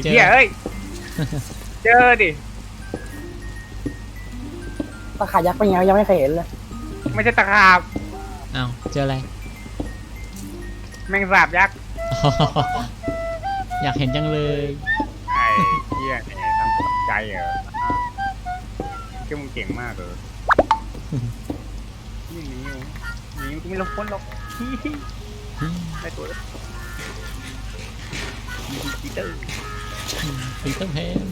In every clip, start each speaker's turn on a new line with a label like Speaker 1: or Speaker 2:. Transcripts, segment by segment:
Speaker 1: เจอ
Speaker 2: เหี้ยเอ้ยเจอดิ
Speaker 3: ตะขายักษ์เป็นไงยังไม่เคยเห็นเลย
Speaker 2: ไม่ใช่ตะขาบ
Speaker 1: เอ้าเจออะไร
Speaker 2: แมงสาบยักษ์
Speaker 1: อยากเห็นจังเลย
Speaker 2: ไอ้เหี้ยเนี่ยทำตกใจเหรอคือมึงเก่งมากเลยนี่หนีกูไม่ลงพ้นหรอกได้ตัวแล้วปีเตอร์
Speaker 1: ปีเตอร์แพน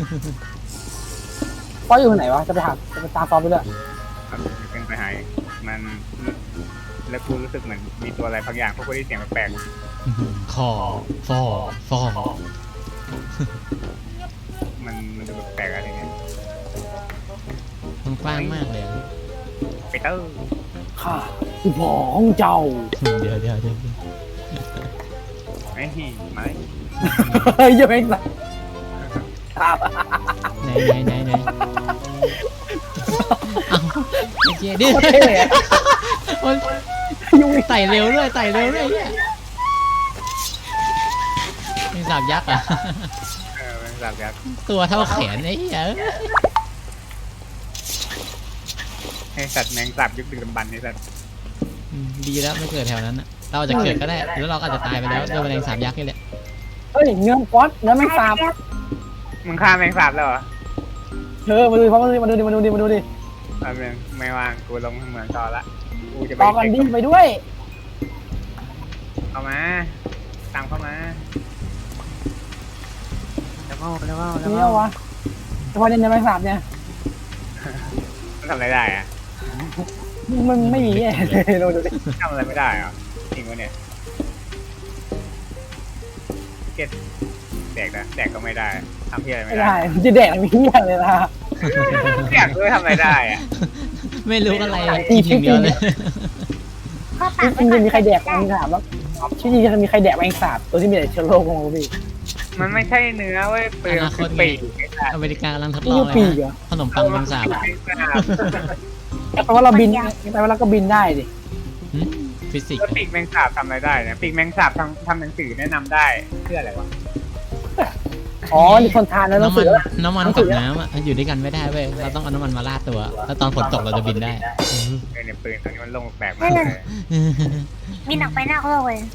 Speaker 3: ฟอยอยู่ไหนวะจะไปตามฟอสไปเลย
Speaker 2: ครับเป็นไปหายมันแล้วกูรู้สึกเหมือนมีตัวอะไรบางอย่างพวกกูได้เสียงแปลก
Speaker 1: คอฟอฟอ
Speaker 2: ๆมันดูแปลกๆอะไรเงี้ย
Speaker 1: มันกว้างมากเลยอะ
Speaker 2: ปีเตอร์
Speaker 3: ข้าคือพ่อของเจ้า
Speaker 1: เดี๋ยว
Speaker 2: ไอ้มา
Speaker 3: เฮ้ยยังไม่ตายครับ
Speaker 1: ไหนเอ้าไอ้เจ๊ดิ
Speaker 3: โคตรเท่อะ
Speaker 1: มัน
Speaker 3: ยุ่ง
Speaker 1: ไต่เร็วด้วยเนี่ยมีสาบยักษ์อ่ะ
Speaker 2: แมงสาบยักษ์
Speaker 1: ตัวเท่าแขนไอ้เหี้ย
Speaker 2: ให้สัตว์แมงสาบยึดดึกดำบรรพ์ให้สัตว์
Speaker 1: ดีแล้วไม่เกิดแถวนั้นอะเราอาจจะเกิดก็ได้แล้วเราก็อาจจะตายไปแล้วด้วยแมลงสาบยักษ์นี่แหละ
Speaker 3: เฮ้ยเนื้อฟอสเนื้อแมงสาบ
Speaker 2: มึงฆ่าแมงสาบแล้วเหรอ
Speaker 3: มาดูฟอสมาดูดิ
Speaker 2: ไม่ว่างกูลงเหมืองต่อละกูจะไป
Speaker 3: ต่อกันดิไปด้วย
Speaker 2: เข้ามาตามเข้ามาแล้ว
Speaker 3: นี่วะเฉพาะเนื้อแมงสาบเนี่ย
Speaker 2: มันทำอะไรได้อะ
Speaker 3: มันไม่มีเราดูดิ
Speaker 2: ทำอะไรไม่ได้เหรอจริงวะเนี่ยเก็ตแดกนะแดกก็ไม่ได้ทำเพี้ยอะไร
Speaker 3: ไม่
Speaker 2: ไม่ได้
Speaker 3: ได้จะแดกมีเหี้ยเลยนะ
Speaker 2: อยากด้วยทำอะไรได้อะ
Speaker 1: ไม่รู้อะไรกินอย่างเดียวเลย
Speaker 3: จริงๆจะมีใครแดกแมงสาบแล้วจริงๆจะมีใครแดกแมงสาบตัวที่มีแต่เชื้อโรคของพี่
Speaker 2: มันไม่ใช่เนื้อเว้ยเปลือกคือปีกไอ้สัตว์
Speaker 1: อเมริกากำลังทดล
Speaker 3: นี่
Speaker 1: อง
Speaker 3: ยู
Speaker 1: เลย
Speaker 3: ปี
Speaker 1: นะ
Speaker 3: เหรอ
Speaker 1: ขนมปังแมงสาบ
Speaker 3: แปลว่าเราบินแปลว่าเราก็บินได้ดิ
Speaker 1: ฟิสิกส์
Speaker 2: แล้วปีกแมงสาบทำอะไรได้นะปีกแมงสาบทำหนังสือแนะนำได้เพื่ออะไรวะ
Speaker 3: อ๋อนี่คนทานแล้วต้อง
Speaker 1: น้ำมั
Speaker 3: สื
Speaker 1: น
Speaker 3: อ
Speaker 1: น้ำมันกับน้ำอะอยู่ด้วยกันไม่ได้เว้ยเราต้องเอาน้ำมันมาราดตัวแล้วตอนฝนตกเราจะบินได้
Speaker 2: เนี่ยปืนตอนนี้มันลงแปลกมากเลย
Speaker 4: บินออกไปนอกโลกเลย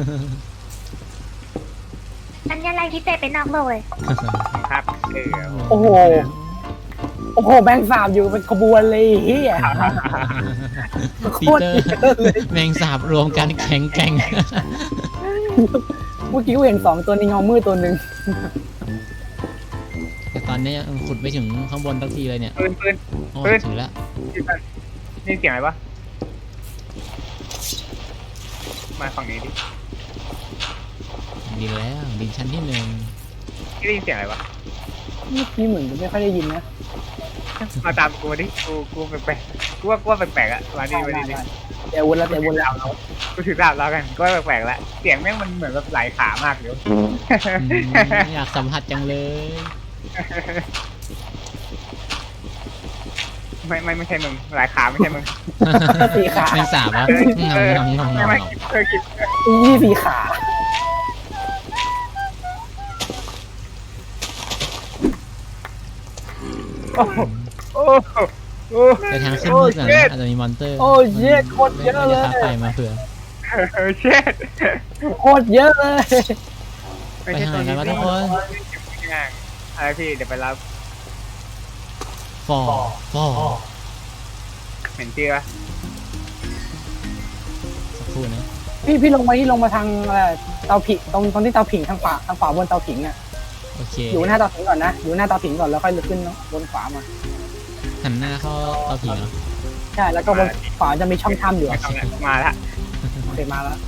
Speaker 4: สัญลักษณ์ที่เตะไปนอกโลกเลย
Speaker 2: ครับ
Speaker 3: โอ้โหแบงค์สาบอยู่เป็นขบวนเลยเฮีย
Speaker 1: ปีเตอร์แมงสาบรวมกันแข็งแกร่ง
Speaker 3: เมื่อกี้กูเห็น2ตัวในเงามืดตัวหนึ่ง
Speaker 1: แต่ตอนนี้ยังขุดไปถึงข้างบนทักทีเลยเนี่ย
Speaker 2: ปืน
Speaker 1: โอ้ถึงแล้ว
Speaker 2: นี่เสียงอะไรวะมาฝั่งนี้ดิ
Speaker 1: ดินแล้วดินชั้นที่1
Speaker 2: ได้ยินเสียงอะไรวะ
Speaker 3: เมื่อกี้เหมือนจะไม่ค่อยได้ยินนะ
Speaker 2: มาตามกูดิกูแปลกกูว่าแปลกๆอะมาดิ
Speaker 3: แต่วนแล้ว
Speaker 2: กูถือดาบแล้วกันก็แปลกๆแล้วเสียงแม่งมันเหมือนแบบหลายขามากเลย
Speaker 1: อยากสัมผัสจังเลย
Speaker 2: ไม่ใช่มึงหลายขาไม่ใช่มึง
Speaker 3: สีขา
Speaker 1: แมงสาบวะงง
Speaker 2: ไม่เคยกิน
Speaker 3: นี่สีขาโอ้โห
Speaker 2: โอ้
Speaker 1: แต่ทางขึ้นมืดก่อนนะอาจจะมีมอนเตอร์
Speaker 3: โอ้เยอะโคตรเยอะเลย
Speaker 1: ไฟมาเผื่อ
Speaker 2: เช็ด
Speaker 3: โคตรเยอะเลย
Speaker 1: ไปทางไหนกันวะทุกคน
Speaker 2: อะไรพี่เดี๋ยวไปรับ
Speaker 1: ฟอ
Speaker 2: เห็นชื่อปะ
Speaker 1: สักครู่นะ
Speaker 3: พี่ลงมาทางเตาผิงตรงที่เตาผิงทางขวาบนเตาผิงอ่ะ
Speaker 1: โอเค
Speaker 3: อยู่หน้าเตาผิงก่อนนะอยู่หน้าเตาผิงก่อนแล้วค่อยขึ้นบนขวามา
Speaker 1: หันหน้าเข้าเตาผิงเหรอ
Speaker 3: ใช่แล้วก็บนขวาจะมีช่องถ้ำอยู่
Speaker 2: มาละ
Speaker 3: โอเคมาแล้ว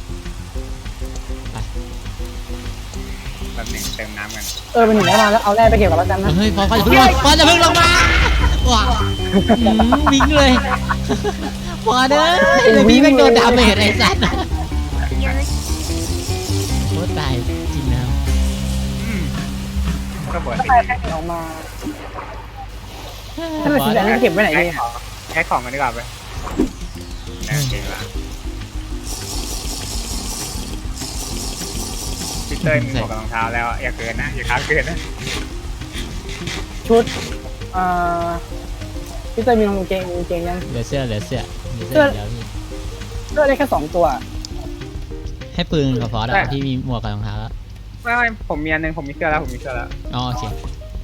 Speaker 2: แบบหนึ่งเติมน้ำกัน
Speaker 3: เป็นหนึ่งแล้วมาแล้วเอาแร่ไปเก็บกับแล้วกันนะ
Speaker 1: เฮ้ยฟอจะเพิ่งลงมาว้าวิ่งเลยฟอเด้อเลยพี่แม่งโดนดาเมจไอ้สัตว์
Speaker 4: เยอะ
Speaker 1: โคตรตายจริงนะ
Speaker 2: ก็บวช
Speaker 3: ก็ไปแพ็คออกมาถ้าเป็นสีแดงจะเก็บไว้ไหนดี
Speaker 2: แค่ของกันดีกว่าไปเก่งละเต้ยมีหมวกกับรองเท้าแล้วอย่าเกินนะอย่าค้างเกินนะ
Speaker 3: ชุดพี่เต้ยมีกางเกงยัง
Speaker 1: เหลือเสื้อเดี๋ยวพี่
Speaker 3: เสื้อได้แค่2 ตัว
Speaker 1: ให้ปืนกับฟอสอะพี่มีหมวกกับรองเท้าแล้ว
Speaker 2: ไม่ผมมีอันนึงผมมีเสื้อแล้วผมมีเสื้อแล้ว
Speaker 1: อ๋อโอเค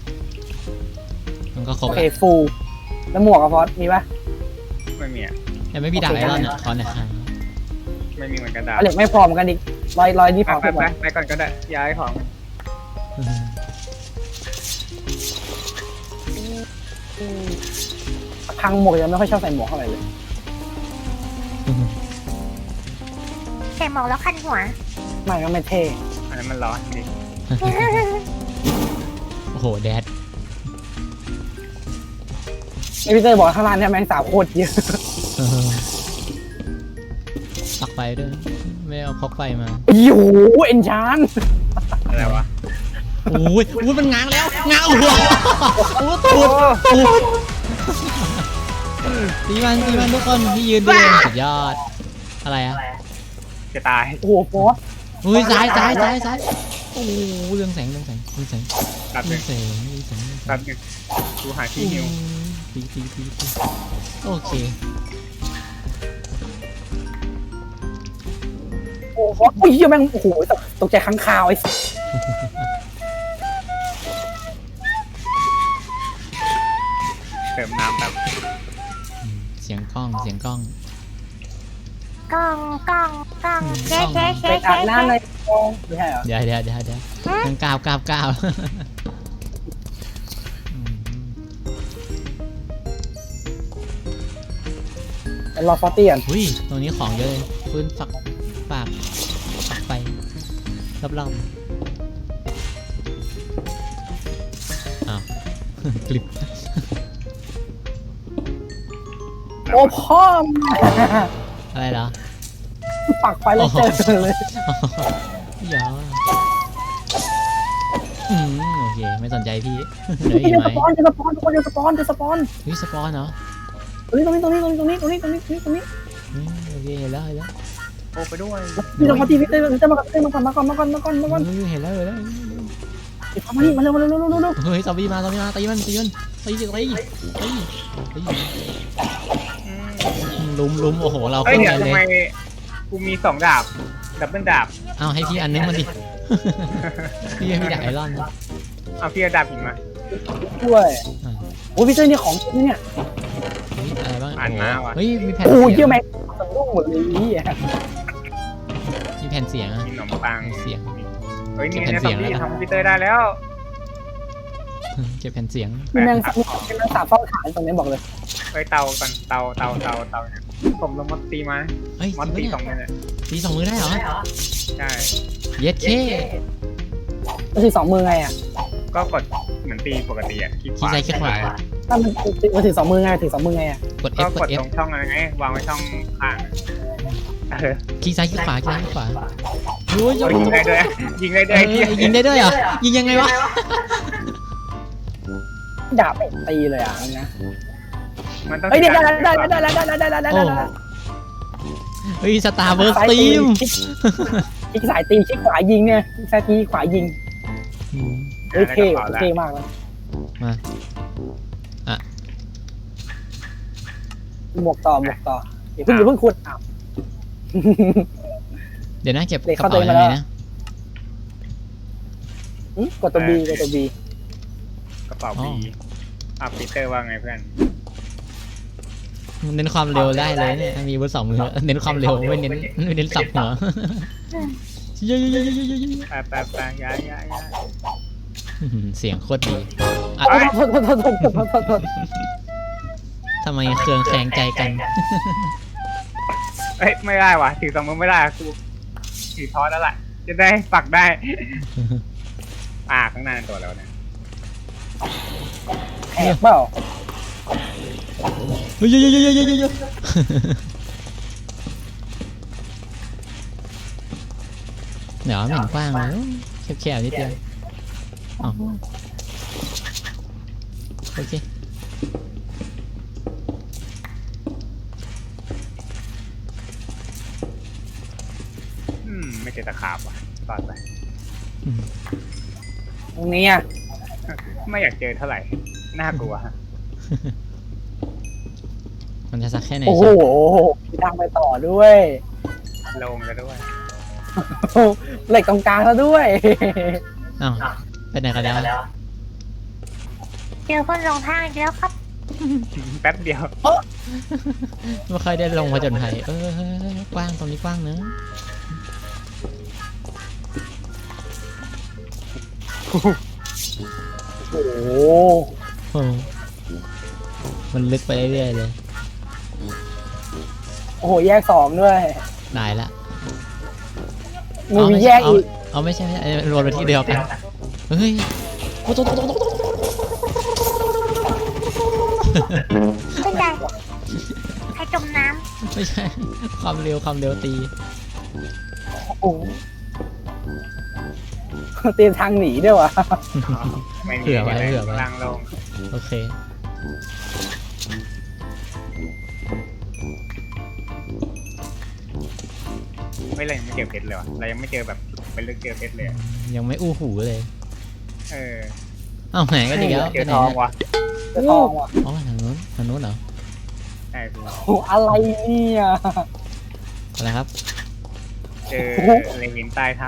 Speaker 1: มันก็ครบ
Speaker 3: โอ
Speaker 1: แล้
Speaker 3: เคว ฟูลแล้วหมวกกับฟอสมีปะ
Speaker 2: ไม่มีอ่ะ
Speaker 1: แต่ไม่มีดาบไอรอนอะขอหน่อยครับ
Speaker 2: ไม่มีเหมือนกันดาบ
Speaker 3: เหล็กไม่พอเหมือนกันอีกร้อยที่พอ
Speaker 2: ไป
Speaker 3: ขึ้น
Speaker 2: ไป
Speaker 3: มา
Speaker 2: ไปก่อนก็ได้ย้ายของ
Speaker 3: พังหมวกยังไม่ค่อยชอบใส่หมวกเท่าไหร่เลย
Speaker 4: ใส่หมอกแล้วคันหัว
Speaker 3: ไม่ก็ไม่เท่
Speaker 2: อันนั้นมันร้อนดิ
Speaker 1: โอ้โหแดด
Speaker 3: ไอพี่เต้ยบอกข้างล่างเนี่ยแมงสาบโคตรเยอะ
Speaker 1: ปักไฟด้วยไม่เอาพกไฟมา
Speaker 3: โอ้โหเอ็นชาน
Speaker 2: อะไรวะ
Speaker 1: โอ้ยมันง้างแล้วง้างหัวโอ้ตูดตีมันทุกคนที่ยืนดูสุดยอดอะไรอะ
Speaker 2: จะตาย
Speaker 3: โอ้โหฟอส
Speaker 1: อุ้ยซ้ายโอ้โหเรื่องแสง
Speaker 2: ตัด
Speaker 1: เรื่
Speaker 2: ห
Speaker 1: อ
Speaker 2: นึ่
Speaker 1: ง
Speaker 2: ง
Speaker 1: แสง
Speaker 2: ตัดหนึ่งกูหาที่หิว
Speaker 1: ตีโอเค
Speaker 3: โอ้โหฟอสอุ้ยแม่งโอ้โหตกใจค้างคาวไอ้
Speaker 2: เติมน้ำแบบ
Speaker 1: เสียงกล้อง
Speaker 4: กล้องเจ๊
Speaker 3: ไปอาบน้ำในกองไม่ใช่เหรอ
Speaker 1: เดี๋ยวต้องก้าว
Speaker 3: เป็นรอฟอสตี้ก่อน
Speaker 1: อุ้ยตรงนี้ของเยอะเลยพื้นฝักไปรอบอ้าว กลิบ
Speaker 3: โอ้พ่อม
Speaker 1: อะไรเหรอ
Speaker 3: ปักไปแล้วเจอเลย
Speaker 1: อย่าโอเคไม่สนใจพี่เหลืออี
Speaker 3: พี่
Speaker 1: ก
Speaker 3: จะ
Speaker 1: ไหม
Speaker 3: สปอนจะสปอนทุกคนจะสปอน
Speaker 1: วิสปอนเหรอ
Speaker 3: ตรงนี้
Speaker 1: โอเคเห็นแล้ว
Speaker 2: โอ้ไปด้วย
Speaker 3: พี่ลงมาทีพี่เต้มาก่อน
Speaker 1: เห็นแล้ว
Speaker 3: มานี่มาเร็ว
Speaker 1: เฮ้ยซอมบี้มาตีมันตีลุมโอ้โหเรา
Speaker 2: เฮ้ย
Speaker 1: ขึ้น
Speaker 2: เดี๋ย
Speaker 1: กั
Speaker 2: วน
Speaker 1: เล
Speaker 2: ทำไม
Speaker 1: ย
Speaker 2: กูมี2 ดาบดับเบิลดาบ
Speaker 1: เอาให้พี่อันนึงมันดิ พี่ให้พี่ดาบไอรอน
Speaker 2: เอาพี่เอาดาบหินมา
Speaker 3: ด้วยโอ้พี่เต้นี่ของเนี่ย
Speaker 1: อะไรบ้าง
Speaker 2: อ่านมาว่ะ
Speaker 1: เฮ้ยมีแผ่น
Speaker 3: โอ้ย
Speaker 1: เสี
Speaker 3: เย
Speaker 1: ย
Speaker 3: อะ
Speaker 1: ง
Speaker 3: แม็กสนุกหมดเลยนี่
Speaker 1: มีแผ่นเสียงอะ
Speaker 2: กินขนมปัง
Speaker 1: เสียง
Speaker 2: เฮ้ยนี่
Speaker 1: เก็บ
Speaker 2: นะ
Speaker 1: แผ่
Speaker 2: ซอน ม
Speaker 1: เสียง
Speaker 2: บี้
Speaker 1: แล้วนะ
Speaker 2: ทำพีเตอร์ได้แล้ว
Speaker 1: เก็บแผ่นเสียง
Speaker 3: มีแมงสาบเฝ้าฐานตรงนี้บอกเลย
Speaker 2: เฮ้ยเตาก่อนเตาเนี่ยผมลงมอสตีมา
Speaker 1: เฮ้ย
Speaker 2: มอส
Speaker 1: จ
Speaker 2: ตี
Speaker 1: ริง
Speaker 2: 2
Speaker 1: ปะ
Speaker 2: มือเนี่ย
Speaker 1: ตี2 มือได้เหรอ
Speaker 2: ใช่
Speaker 1: เย็ดเค
Speaker 3: มันถือ2 มือไงอ่ะ
Speaker 2: ก็กดเหมือนตีปกติอ่ะคลิกข
Speaker 1: ขี้
Speaker 2: วา
Speaker 1: ใจขี้ขวา
Speaker 3: ถ้ามันถือ2 มือไงถือ2 มือไงอ่ะ
Speaker 1: กด
Speaker 2: ก็
Speaker 1: F
Speaker 2: ก
Speaker 1: ก
Speaker 2: ด
Speaker 1: ด F
Speaker 2: ตรงช่องอะไรไงวางไว้ช่องข้าง
Speaker 1: ขี้ซ้ายขี้ขวาโอ้ย
Speaker 2: ยิงได้ด้วยยิงได้ด้วย
Speaker 1: ยิงได้ด้วยเหรอยิงยังไงวะ
Speaker 3: ดาบตีเลยอ่ะนะ
Speaker 2: มันต้อง
Speaker 3: เฮ้ยได้
Speaker 1: โอ้เฮ้ยสตาร์เบิร์สตีม
Speaker 3: คลิกสายตีคลิกขวายิงเนี่ยคลิกซ้ายตีขวายิงเฮ้ยเท่มากเลย
Speaker 1: มาอ่ะ
Speaker 3: หมวกต่ออย่าเพิ่งขุดอ้าว
Speaker 1: เดี๋ยวนะเก็บก
Speaker 3: เด็ก
Speaker 1: ระ
Speaker 3: เข้า
Speaker 1: เป๋า
Speaker 3: ตัว
Speaker 1: ยัง
Speaker 3: มา
Speaker 1: ไง
Speaker 3: แล้ว
Speaker 1: นะ
Speaker 3: กดตัวบี
Speaker 2: กระเป๋าบีปีเตอร์ว่าไงเพื่อน
Speaker 1: เน้นความเร็วได้เลยเนี่ยมีบน2 มือเน้นความเร็วไม่เน้นสับหัวเยอะ
Speaker 2: ไปย้าย
Speaker 1: เสียงโคตรดี
Speaker 3: โทษ
Speaker 1: ทำไมเครืองแคลงใจกัน
Speaker 2: เอ้ยไม่ได้ว่ะถือ2 มือไม่ได้กูถือท้อแล้วล่ะจะได้ปักได้ข้างหน้าตัวแล้วเนี่ย
Speaker 3: แอบเปล่า
Speaker 1: เฮ้ยเยอะเดี๋ยวไม่เห็นกว้างเลยแคบๆนิดเดียวอ๋อโอเค
Speaker 2: ไม่เจอตะขาบว่ะตอนไป
Speaker 3: ตรงนี้อ่ะ
Speaker 2: ไม่อยากเจอเท่าไหร่ น่ากลัว
Speaker 1: มันจะสักแค่ไหน
Speaker 3: โอ้โห
Speaker 1: ใช่
Speaker 3: มีทางไปต่อด้วย
Speaker 2: ลงแล้วด้วย
Speaker 3: เหล็กตรงกลางแล้วด้วย
Speaker 1: อ้าวไปไหนกันแล้ว
Speaker 4: เจอคนลงทางอีกแล้วครับ
Speaker 2: แป๊บเดียว
Speaker 1: ไม่ค่อยได้ลงผจญภัยกว้างตรงนี้กว้างเนอะ
Speaker 3: โอ้โห
Speaker 1: โอ้มันลึกไปเรื่อยๆเลย
Speaker 3: โอ้โห แยกสองด้วย
Speaker 1: ได้ละ
Speaker 3: มีแยกอีก
Speaker 1: เอาไม่ใช่รวมไปที่เดียวกันเฮ้ยโอ้โห
Speaker 4: ขึ้นใจใครจมน้
Speaker 1: ไม่ใช่ความเร็วตี
Speaker 3: โอ้โหเตรียมทางหนีด้วยวะ
Speaker 2: ไม่มี
Speaker 1: เผื่อไว้
Speaker 2: อะไร
Speaker 1: เผื่อไว้
Speaker 2: ล่างลง
Speaker 1: โอเค
Speaker 2: ไม่เลยยังไม่เจอเพชรเลยวะเรายังไม่เจอแบบเป็นลึกเจอเพชรเลยอะ
Speaker 1: ยังไม่อู้หูเลย
Speaker 2: เออ
Speaker 1: เอ้าไหนก็ดีแล้ว
Speaker 2: เจอทองวะ
Speaker 3: จะทองว่ะ
Speaker 1: อ๋อทางนู้นเหรอ
Speaker 2: ใช่กู
Speaker 3: โอ้โหอะไรเนี่ย
Speaker 1: อะไรครับ
Speaker 2: เจออะไรหินใต้ถ้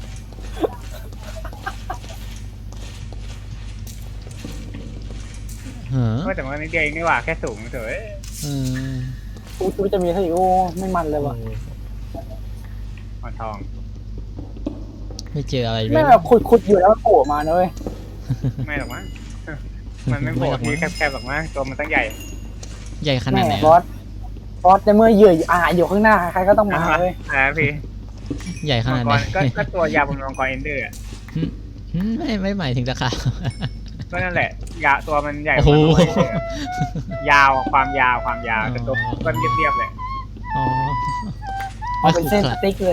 Speaker 1: เฮ้อ
Speaker 2: ำก็แต่ว่านิดเดียวเองนี่หว่าแค่สูงเฉย
Speaker 1: อืม
Speaker 3: กูคิดว่าจะมีเท่าอีกโอ้ไม่มันเลยว่ะ
Speaker 2: อ่อนทอง
Speaker 1: ไม่เจออะไรเล
Speaker 3: ไม่
Speaker 1: ย
Speaker 3: แบบขุดอยู่แล้วโผล่มานะเว้ย
Speaker 2: ไม่หรอกมั้ง มันไม่โผล่ที่แคบๆหรอกมั้งตัวมันตั้งใหญ่
Speaker 1: ใหญ่ขนาดไหน
Speaker 3: บอสในเมื่อเหยื่ออาหารอยู่ข้างหน้าใครก็ต้องมาเว้ย
Speaker 2: พี่
Speaker 1: ใหญ่ข
Speaker 2: มั
Speaker 1: นาด
Speaker 2: ง
Speaker 1: ไห
Speaker 2: ก
Speaker 1: น
Speaker 2: รก็ตัวยาวเป็นมังกรเอนเดอร์อะ
Speaker 1: ไม่หมายถึงตะขาบ
Speaker 2: ก็นั่นแหละยาวตัวมันใหญ่ก
Speaker 1: โอ้
Speaker 2: ว่า
Speaker 1: โห
Speaker 2: มังกร Ender ยาวความยาวแต่ตัวมันเรียบๆเลย
Speaker 1: อ๋อ
Speaker 3: เอาเป็นเส้นสติ๊กเลย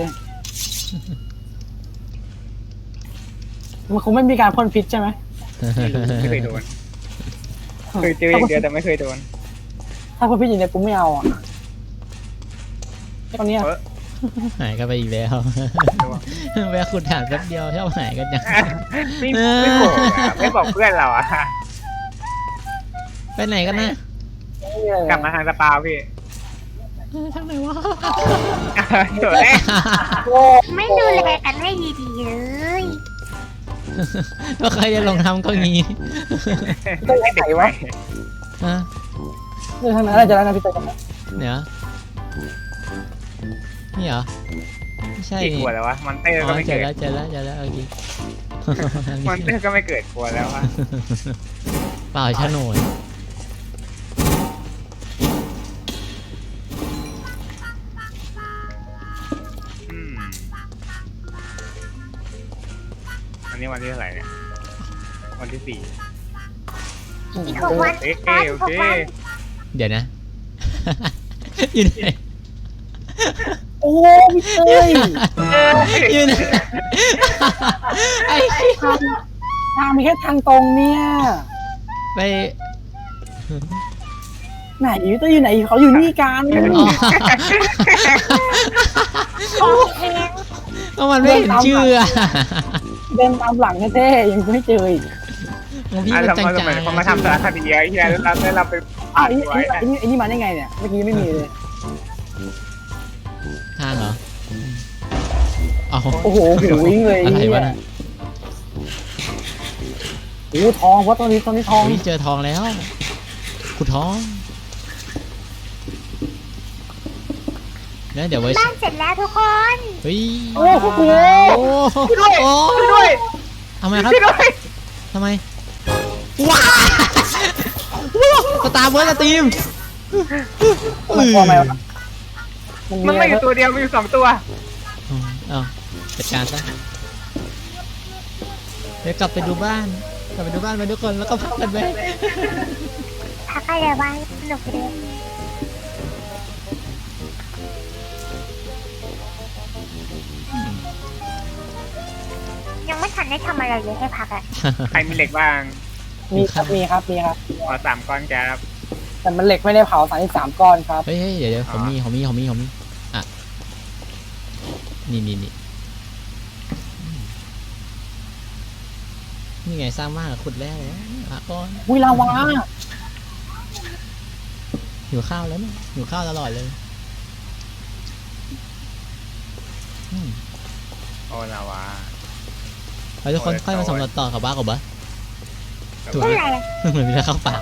Speaker 3: มันคงไม่มีการพ่นพิษใช่ไหม
Speaker 2: ไม่เคยโดนเคยเจออย่างเดียวแต่ไม่เคยโดน
Speaker 3: ถ้าพ่นพิษอย่างเดียวกูไม่เอาอ่ะตอนเนี้ย
Speaker 1: หายกันไปอีกแล้วแวะขุดฐานแป๊บเดียวชอบหายกันจัง
Speaker 2: ไม่บอกอะไม่บอกเพื่อนเราอะ
Speaker 1: ไปไหนกันนะ
Speaker 2: กลับมาทางสปาพี่
Speaker 1: ทางไหนวะ
Speaker 2: ตัวแรก
Speaker 3: โอ้
Speaker 4: ำไม่ดูแลกันให้ดีๆเลย
Speaker 1: ก็ใครจะลงทำก็งี้
Speaker 3: ต้องไหนวะ
Speaker 1: ฮะ
Speaker 3: เนี่ยทางนั้นอาจจะแล้วนะพี่เต้ย
Speaker 1: เดี๋ยวนี่เหรอไม่ใช่
Speaker 2: กี่
Speaker 1: นี่
Speaker 2: ขวดแล้ววะมอนเตอร์
Speaker 1: อ๋
Speaker 2: ก็
Speaker 1: อ
Speaker 2: ไม่
Speaker 1: เจ
Speaker 2: เกิ
Speaker 1: อ
Speaker 2: ด
Speaker 1: แล้วเจอแล้วโอเค
Speaker 2: มอนเตอร์ก็ไม่เกิดขวดแล้ววะ
Speaker 1: เปล่าโฉนด
Speaker 2: อืมอันนี้วันที่เท่าไหร่เนี่ยวันที่ 4
Speaker 4: อีก6 วัน
Speaker 2: โอเค
Speaker 4: อี
Speaker 2: โอก
Speaker 4: 6
Speaker 2: เค
Speaker 4: วัน
Speaker 1: เดี๋ยวนะ อยู่ไหน
Speaker 3: โอ้พี่เต้ย
Speaker 1: อยู่ไหนไอ้
Speaker 3: ทางมีแค่ทางตรงเนี่ย
Speaker 1: ไป
Speaker 3: ไหนพี่เต้ยอยู่ไหนเขาอยู่นี่กัน
Speaker 1: อ๋อ
Speaker 4: โอเค
Speaker 1: ก็มันไม่เห็นชื่ออะ
Speaker 3: เดินตามหลังแท้ๆยังไม่เจออีก
Speaker 1: ของพี่
Speaker 2: อ่ะ
Speaker 1: มัน
Speaker 2: เรา
Speaker 1: จาง
Speaker 2: มาสมัย
Speaker 1: ๆ
Speaker 2: เขามาทำสารคดีไอ้เหี้ยแล้วเราไป
Speaker 3: อ้าวไอ้นี่มาได้ไงเนี่ยเมื่อกี้ไม่มีเลย
Speaker 1: ทางเหรออ๋อ
Speaker 3: โอ้โหหูวิ่งเลย
Speaker 1: อะไร
Speaker 3: เนี่
Speaker 1: วะ
Speaker 3: ย
Speaker 1: น่ะ
Speaker 3: โอ้ทองเพราะตอนนี้ทอง
Speaker 1: อุ๊ยเจอทองแล้วขุดทองเนี่ยเดี๋ยวไว้
Speaker 4: บ้านเสร็จแล้วทุกคน
Speaker 1: เฮ้ย
Speaker 3: โอ้โห
Speaker 1: โอ้โห
Speaker 2: ด้วย
Speaker 1: ทำไมครับ
Speaker 2: ช่วยด้วย
Speaker 1: ทำไมว้าสตาร์เบิร์ดสตรีม
Speaker 3: มันกลัวไหมวะ
Speaker 2: มันไม่อยู่ตัวเดียวมีอยู่2 ตัว
Speaker 1: เอาจัดการซะเดี๋ยวกลับไปดูบ้านไปทุกคนแล้วก็พักกันไป
Speaker 4: พักอะไรบ้างสนุกเลยยังไม่ทันได้ทำอะไรเลยให้พักอ่ะ
Speaker 2: ใครมีเหล็กบ้าง
Speaker 3: มีครับมีครับ
Speaker 2: ขอ3 ก้อนครับ
Speaker 3: แต่มันเหล็กไม่ได้เผา33ก้อนครับ
Speaker 1: เฮ้ยเดี๋ยวผมมีอ่ะนี่นี่ไงสร้างบ้านกับขุดแร่เลยก้อน
Speaker 3: อุ้ยลาวา
Speaker 1: หิวข้าวแล้วเนี่ยหิวข้าวตลอดเลยอืม
Speaker 2: โอ้ลาวา
Speaker 1: ไปทุกคนค่อยมาสำรวจต่อกับบ้ากับบ้าถูก
Speaker 4: เมื่
Speaker 1: ไห
Speaker 4: อ
Speaker 1: ม
Speaker 4: ไหร่
Speaker 1: เหมือนมีแล้วเข้าปาก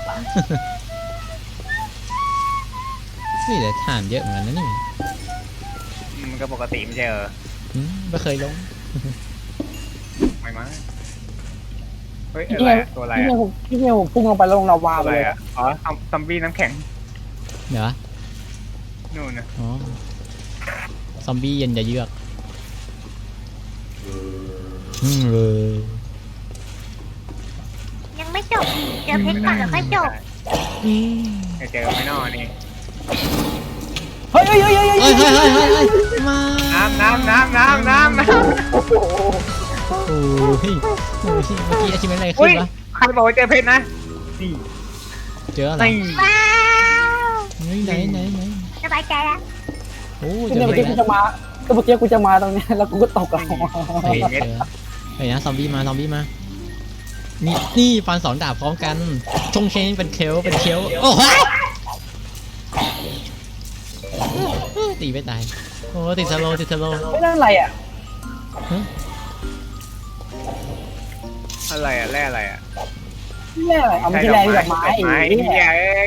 Speaker 1: นี่แต่ฐานเยอะเหมือนกันนะนี่
Speaker 2: มันก็ปกติไม่ใช่เหรอ
Speaker 1: ไม่เคยลง
Speaker 2: ไม่มั้งเฮ้ย
Speaker 3: พี่
Speaker 2: อะไร
Speaker 3: เมีย
Speaker 2: อะตัวอะไร
Speaker 3: พี่เมี
Speaker 2: อะ
Speaker 3: ยผมพี่เมียผมพุ่งลงไปแล้วลงลาวา
Speaker 2: ตัว
Speaker 3: ไป
Speaker 2: อะไร
Speaker 3: เลย
Speaker 2: อะอ๋อซอมบี้น้ำแข็ง
Speaker 1: เดี๋ยว
Speaker 2: นู่นนะ
Speaker 1: อ๋อซอมบี้เย็นจะเยือกเลย
Speaker 4: ยังไม่จบเจอเพชรก่อนแล้วค่อยจบ
Speaker 2: จะเจอไม่นอนี่
Speaker 3: เฮ้ยเฮ้ยเฮ้ยเฮ้ย
Speaker 1: เฮ้ยเฮ้ยเฮ้ยเฮ้ยเฮ้ยมา
Speaker 2: น้ำ
Speaker 3: โอ้โห
Speaker 1: โอ้ยโอ้ยเมื่อกี้อาชิเมนอะไร
Speaker 2: อุ้
Speaker 1: ขึ้
Speaker 2: ย
Speaker 1: นวะ
Speaker 2: ใครบอกว่าเจอเพชรนะนี่
Speaker 1: เจออะไร
Speaker 2: นี่
Speaker 4: ว้าว
Speaker 1: ไหน
Speaker 4: สบายใจแล้ว
Speaker 1: โอ้
Speaker 3: พี่
Speaker 1: เจ
Speaker 3: เมี
Speaker 1: อย
Speaker 3: เมื่อ
Speaker 1: แล้
Speaker 3: กี้
Speaker 1: ว
Speaker 3: กูจะมาก็เมื่อกี้กูจะมาตรงนี้แล้วกูก็ตกลงมา
Speaker 1: เฮ้ยเจอเฮ้ยนะซอมบี้มานี่ฟันสองดาบพร้อมกันชงเชงเป็นเคลโอ้โหตีไม่ตายโอ้ติดสโลว์
Speaker 3: ไม่นั่นอะไรอ่ะ
Speaker 2: อะไรอะแร่อะไรอะ
Speaker 3: แร่อะไรเอาไม่ใช่แร่ที่ดอกไม้
Speaker 2: ไม้
Speaker 3: อีก
Speaker 2: เหี้ยเอ้ย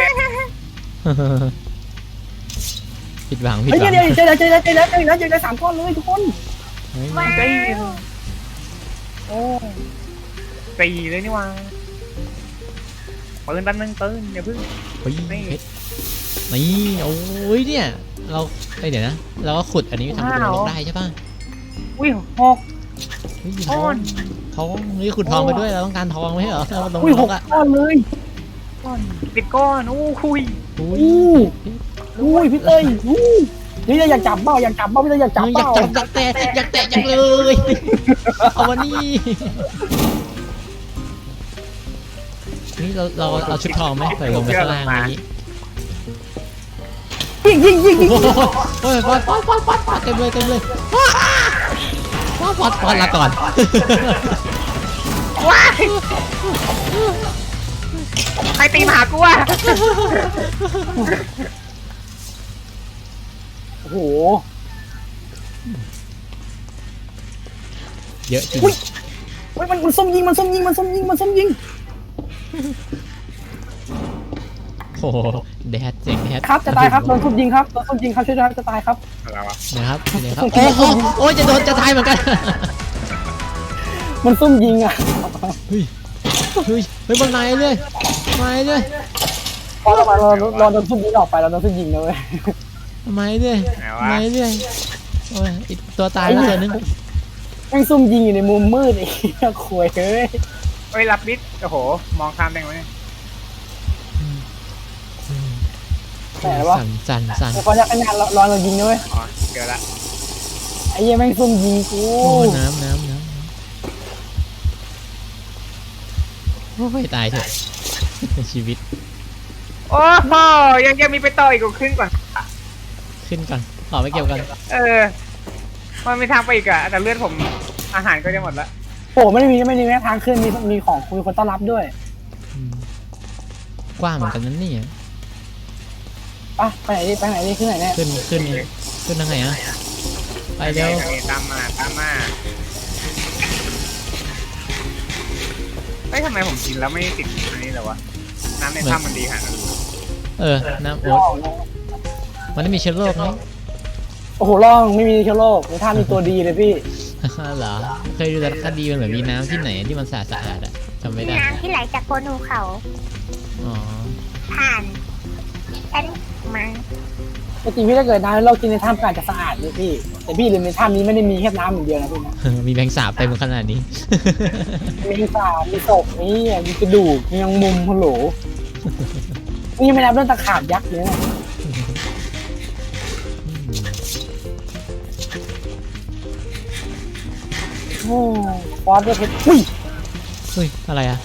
Speaker 1: ผิดหวัง
Speaker 3: เฮ้ยเดี๋ยวเจอแล้ว3ก้อนเลยทุกคน
Speaker 4: ว้าว
Speaker 3: โอ้
Speaker 2: ตีเลยนี่วะปืนแป๊บนึงปืนอย่าเพิ่ง
Speaker 1: เฮ้ยเพชรนี่โอ้ยเนี่ยเราเดี๋ยวนะเราก็ขุดอันนี้ทำเป็นลงได้ใช่ป่ะ
Speaker 2: อุ้ยหก
Speaker 1: เฮ้ย
Speaker 2: ก้อน
Speaker 1: ทองนี่ขุดทองไปด้วยเราต้องการทองไม่ใช่เหรอเราลง
Speaker 3: อุ้ย
Speaker 1: ล
Speaker 3: 6
Speaker 1: งอ่ะ
Speaker 3: ก้อนเลย
Speaker 2: ติดก้อนอู้คุย
Speaker 1: อุ้ย
Speaker 3: อุ้ยพี่เต้ยนี่อยากจับเบ้าอยากจับเบ้าพี่เต้ยอยากจับ
Speaker 1: อยาก
Speaker 3: เบ้า
Speaker 1: จับอยากแตะจังเลยเอาวันนี้นี่เราเอาชุดทองไหมใส่ลงไปข้างล่างนี้
Speaker 3: ยิง
Speaker 1: โอ้ยปอดเต็มเลยปอดลาก่อน
Speaker 2: ว้ายใครตีมาหากูวะ
Speaker 3: โอ้โห
Speaker 1: เยอะจริง
Speaker 3: เฮ้ยมันส้มยิง
Speaker 1: โอ้โหแดดเจ๋งแดด
Speaker 3: ครับจะตายครับโดนส้มยิงครับช่วยด้วยครับจะตายครับ
Speaker 2: อะไรวะ
Speaker 1: นะครับโอ้ยจะตายเหมือนกัน
Speaker 3: มันส้มยิงอ่ะ
Speaker 1: เฮ้ยมันมาเลย
Speaker 3: พอเราโดนส้มยิงออกไปเราโดนส้มยิงนะเว้ย
Speaker 1: มาเลยโอ้ยตัวตายแล้วตัวนึง
Speaker 3: แม่งส้มยิงอยู่ในมุมมืดไอ้เหี้ยควยเฮ้ย
Speaker 2: เฮ้ยรับบิดโอ้โหมองข้ามได้ไหม
Speaker 3: แต่ว่า
Speaker 1: สั่น
Speaker 3: พอจะขนาดรอเรายิงนะเว้ย
Speaker 2: อ๋อเจอละ
Speaker 3: ไอ้เหี้ยแม่งส้มยิงกู
Speaker 1: โอ้น้ำโอ้ยตายเถอะชีวิต
Speaker 2: โอ้โหยังมีไปต่ออีกกูขึ้นก่อน
Speaker 1: ขึ้นก่อนต่อไปเก็บกัน
Speaker 2: มันมีทางไปอีกอะแต่เลือดผมอาหารก็จะหมดละ
Speaker 3: โอ้ไม่ได้มีแม้ทางขึ้นมีของมีคนต้อนรับด้วย
Speaker 1: กว้างเหมือนกันนั่นนี่
Speaker 3: ไปไหนดิขึ้นไหนเนี่ย
Speaker 1: ขึ้นทางไหนอ่ะไปเร็ว
Speaker 2: ตามมาเฮ้ยทำไมผมกินแล้วไม่ติดอันนี้เลยวะน้ำในถ้ำมันดีขนาดนั้น
Speaker 1: น้ำโอ๊ตมันไม่มีเชื้อโรคไหม
Speaker 3: โอ้โหร่องไม่มีเชื้อโรคในท่ามีตัวดีเลยพี่
Speaker 1: เหรอเคยดูแต่คดีมันเหมือนมีน้ำที่ไหนที่มันสะอาดอ่ะจำไม่ได้
Speaker 4: น้ำที่ไหลจากโคนภูเขา
Speaker 1: อ๋อ
Speaker 4: ผ่านอันมา
Speaker 3: จริงพี่ถ้าเกิดน้ำเรากินในถ้ำก็อาจจะสะอาดเลยพี่แต่พี่ลืมในถ้ำนี้ไม่ได้มีแค่น้ำอย่างเดียวนะพี่นะ
Speaker 1: มีแมงสาบเต็มขนาดนี้
Speaker 3: มีสาบมีศพมีกระดูกมียังมุมฮัลโหลนี่ไม่นับเรื่องตะขาบยักษ์เลยนะโอ้ฟอสด้วยเพชรอุ้ย
Speaker 1: เฮ้ยอะไรอ่ะ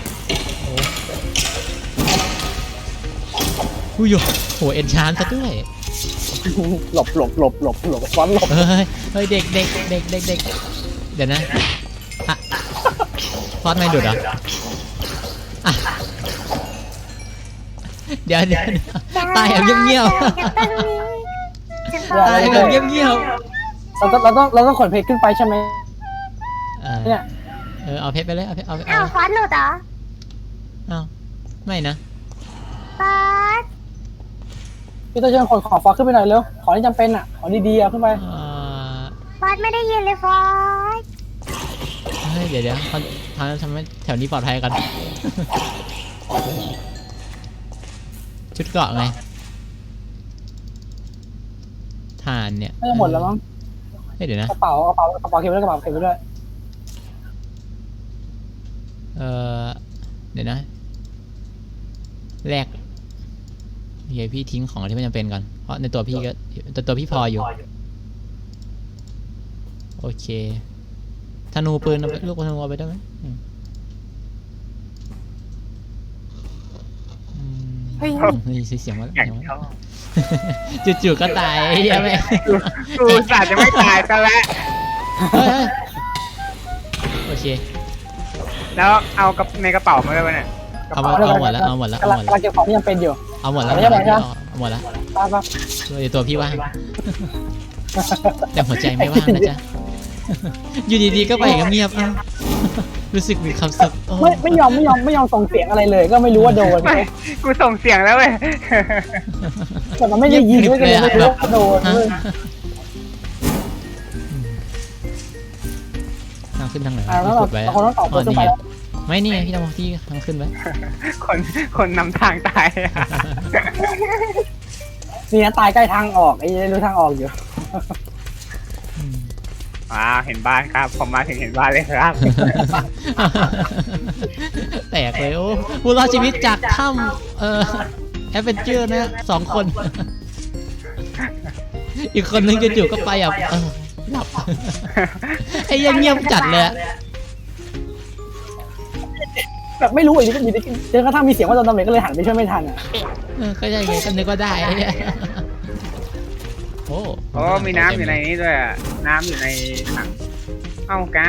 Speaker 1: อุ้ยโหเอ็นชานซะด้วย
Speaker 3: หลบฟอสหลบ
Speaker 1: เฮ้ยเด็กเดี๋ยวนะฟอสไม่ดุดเหรออ่ะเดี๋ยวตายแบบเงียบๆตายแบบเงียบ
Speaker 3: เราต้องขนเพชรขึ้นไปใช่ไหม
Speaker 1: ๆ
Speaker 3: เนี่ย
Speaker 1: เอาเพชรไปเลยเอาเพชรเอา
Speaker 4: อ้าวฟอสหลุดเหรอ
Speaker 1: เอาไม่นะ
Speaker 4: ฟอส
Speaker 3: พี่ต้องเชิญขนของฟอสขึ้นไปหน่อยเร็วของที่จำเป็นอ่ะของดีๆเอาขึ้นไป
Speaker 4: ฟอสไม่ได้ยินเลยฟอส
Speaker 1: เฮ้ยเดี๋ยวเขาทำให้แถวนี้ปลอดภัยกัน ชุดเกราะไงฐานเนี่ย
Speaker 3: ไม่จะหมดแล้วมั้ง
Speaker 1: เฮ้ยเดี๋ยวนะ
Speaker 3: กระเป๋าเก็บไว้ด้วยกระเป๋าเก็บไว้ด้วย
Speaker 1: เดี๋ยวนะแรกเดี๋ยวพี่ทิ้งของที่ไม่จำเป็นก่อนเพราะในตัวพี่ก็ตัวพี่พออยู่โอเคธนูปืนเอาไปลูกธนูเอาไปได้ไหม
Speaker 4: เฮ้ย
Speaker 1: นี่เสียงมาแล้ว
Speaker 2: อย่างชอบ
Speaker 1: จู่ๆก็ตายใช่ไหม
Speaker 2: กูอุตส่าห์จะไม่ตายซะแล้ว
Speaker 1: เฮ้ยโอเค
Speaker 2: แล้วเอากับในกระเป๋ามาด้วยวะเนี่ย
Speaker 1: เอาหมดแล้วเอาหมดแล้ว
Speaker 3: กำลังเก็บของที่จำเป็นอยู่
Speaker 1: เอาหมดแล้ว
Speaker 3: ไม่ใช่ไหมครับ
Speaker 1: เอาหมดแล้ว
Speaker 3: ป้า
Speaker 1: ตัวพี่ว่างแต่หัวใจไม่ว่างนะจ๊ะอยู่ดีๆก็ไปเงียบๆอ้าวรู้สึกมีความสุขโอ้
Speaker 3: ไม่ยอมส่งเสียงอะไรเลย ก็ไม่รู้ว่าโดน
Speaker 2: ไม่กูส่งเสียงแล้วเว้ย
Speaker 3: แต่มันไม่ได้ยินไม่เลยไม่รู้ว่าโดน
Speaker 1: ฮะ
Speaker 3: เลย
Speaker 1: ทางขึ้นทางไหน
Speaker 3: แล้ว
Speaker 1: พี่กดไว้
Speaker 3: เราคนต้องตอบ
Speaker 1: อ๋อ
Speaker 3: ขึ้น
Speaker 1: นี่
Speaker 3: ไป
Speaker 1: ไงไม่นี่ไงพี่ทำที่ทางขึ้นไว้
Speaker 2: คนนำทางตาย
Speaker 3: นี่นะตายใกล้ทางออกไอ้รู้ทางออกอยู่
Speaker 2: เห็นบ้านครับผมมาถึงเห็นบ้านเลยครับ
Speaker 1: แตกเลยโอ้ผู้รอดชีวิตจากถ้ำแอดเวนเจอร์นะ2 คน อีกคนนึงจู่ๆก็ไปหลับ ไอ้ยังเงียบจัดเลยอะ
Speaker 3: แบบไม่รู้อีกอยู่ดีเจอกระทั่งมีเสียงว่าโดนตำรวจก็เลยหันไปช่วยไม่ทันอ่ะ
Speaker 1: ก็ใช่ไงก็นึกว่าได้ไอ้เหี้ยโอ้
Speaker 2: โอ้มีน้ำอยู่ในนี้ด้วยอะน้ำอยู่ในถังเอ้ากา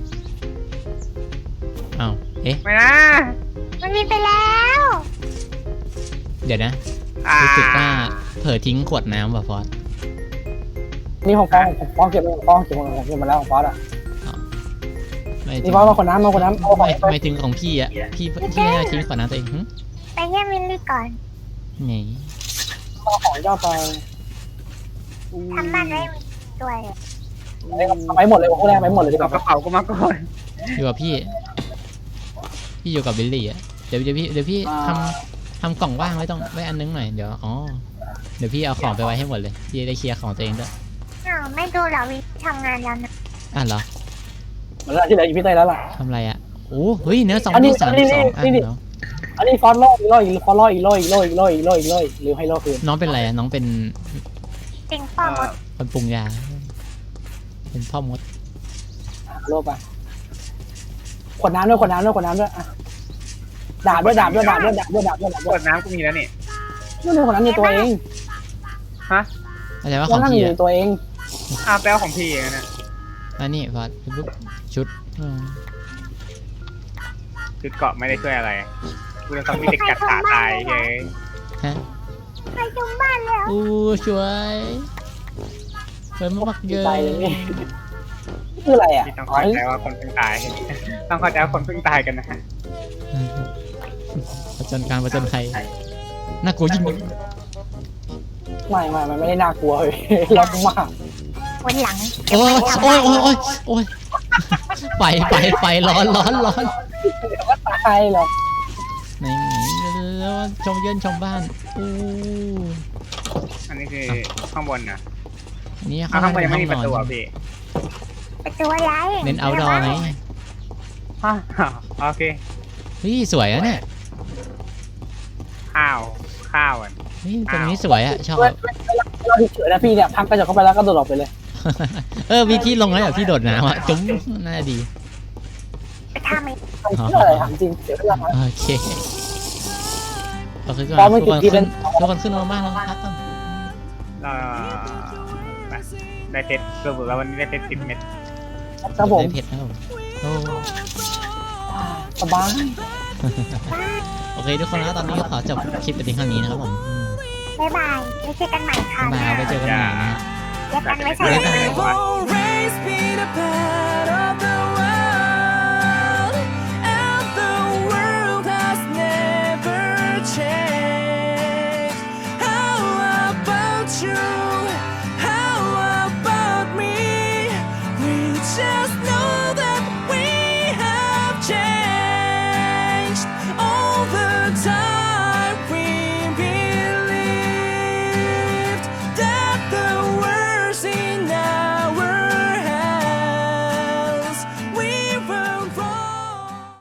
Speaker 1: อ้าวเอ๊ะ
Speaker 2: ไม่นะ
Speaker 4: มันมีไปแล้ว
Speaker 1: เดี๋ยวนะรู้สึกว่าเผลอทิ้งขวดน้ำว่ะฟอส
Speaker 3: นี่ของฟองเก็บไปของฟองเก็บมาแล้วของฟอสอ่ะ
Speaker 1: ไม่
Speaker 3: นี่ฟอสมาคนน้ำเอาของ
Speaker 1: ไม่ถึงของพี่อ่ะพี่น่าทิ้งขวดน้ำตัวเองหึ
Speaker 4: ไปเยี่ยมมิลลี่ก่อน
Speaker 1: ไง
Speaker 3: ของย่อไป
Speaker 4: ทำบ้านไว้ด้วย
Speaker 3: ไปหมดเลยพวกแรกไปหมดเลยดีก
Speaker 2: เอา
Speaker 3: ว่าก
Speaker 2: ระเป๋ากูมาก่อน
Speaker 1: อยู่กับพี่อยู่กับบิลลี่อ่ะเดี๋ยวพี่ทำกล่องว่างไว้ตรงไว้อันนึงหน่อยเดี๋ยวเดี๋ยวพี่เอาของไปไว้ให้หมดเลยพี่จะได้เคลียร์ของตัวเองด้วย
Speaker 4: อ้าวไม่ดูเหรอวิทำงานแล้วนะ
Speaker 1: เหรอ
Speaker 3: เหมือนที่เหลืออยู่พี่เต้ยแล้วล่ะ
Speaker 1: ทำอะไรอ่ะโอ้เฮ้ยเนื้อ
Speaker 3: อันนี้
Speaker 1: 232เนาะ
Speaker 3: อันนี้ฟอสล่ออีกฟอสล่ออีกหรือให้ล่อคืน
Speaker 1: น้องเป็นอะไรอ่ะน้องเป็น
Speaker 4: ติงป้อมมด
Speaker 1: คนปรุงยาเป็นพ่อมด
Speaker 3: โลไปขวดน้ำด้วยดาบด้วย
Speaker 2: กดน้ำกูมีแล้วนี่
Speaker 3: นู่นขวดน้ำในตัวเอง
Speaker 2: ฮะ
Speaker 1: อะไรว่าข
Speaker 3: ขว
Speaker 1: อ
Speaker 3: ด
Speaker 1: ง
Speaker 3: น้ำอ
Speaker 1: พี่
Speaker 3: ยู่ในตัวเอง
Speaker 2: แปลของพี่เองนะ
Speaker 1: อันนี้พอปุ๊บชุด
Speaker 2: จุดเกาะไม่ได้ช่วยอะไรกูจะต้องมีเด็กกัดขาตายเฮ้ย
Speaker 1: ฮะ
Speaker 4: ไปจุ่มบ้านแล้ว
Speaker 1: อู้ช่วยมากเยอะ
Speaker 3: ตายเลยนี่คืออะไรอ่ะ
Speaker 2: พี่ต้องเข้าใจว่าคนเพิ่งตาย ต้องเข้าใจว่าคนเพิ่งตายกันนะ
Speaker 1: ประจนการประจนภัยน่ากลัวยิ่ง
Speaker 3: ไม่มันไม่ได้น่ากลัวเลยล็อกมาก
Speaker 4: วันหลัง
Speaker 1: โอ้ยไฟร้อน
Speaker 3: เดี๋ยวก็ตายหรอก
Speaker 1: ไหนแล้วชมเยินชมบ้านอู้
Speaker 2: อันนี้คือข้างบนนะ
Speaker 1: นี่
Speaker 2: ข้างบนยังไม่มีประตูอ่ะพี่
Speaker 4: ไปตัวอะไร
Speaker 1: เน้นเอาดอไง
Speaker 2: โอเค
Speaker 1: เฮ้ยสวยอะเนี่ย
Speaker 2: ข้าวอ่ะ
Speaker 1: เฮ้ยตรงนี้สวยอะชอบ
Speaker 3: เราเฉยนะพี่เนี่ยพังกระจกเข้าไปแล้วก็โดดออกไปเลย
Speaker 1: มีที่ลงแล้วแบบพี่โดดน้ำอะจุ๊บน่าดี
Speaker 4: ไปทำไอ้
Speaker 3: ทำเพื่ออะไรถามจริงเสียเวลา
Speaker 1: โอเคเราขึ้นก่อน
Speaker 3: พอไม่ติดที่เป็น
Speaker 1: ทุกคนขึ้นมาบ้านแล้วพักก่อน
Speaker 2: ได้เพชรสรุปแล้ววันนี้ได้เพชร10 เม็ด
Speaker 3: ครับผม
Speaker 1: ได้เพชรนะครับผมโอ้
Speaker 3: สบาย
Speaker 1: โอเคทุกคนนะตอนนี้ก็ขอจบคลิปไปเพียงเท่านี้นะครับผม
Speaker 4: บ๊ายบายไม่เจอกันใหม่ค่ะ
Speaker 1: บ๊ายบายไว้เจอกันใหม่นะฮะ
Speaker 4: เรียกกันไว้ใส่
Speaker 2: เรียกกัน
Speaker 4: ไหม
Speaker 2: ไว้
Speaker 5: Always be the part of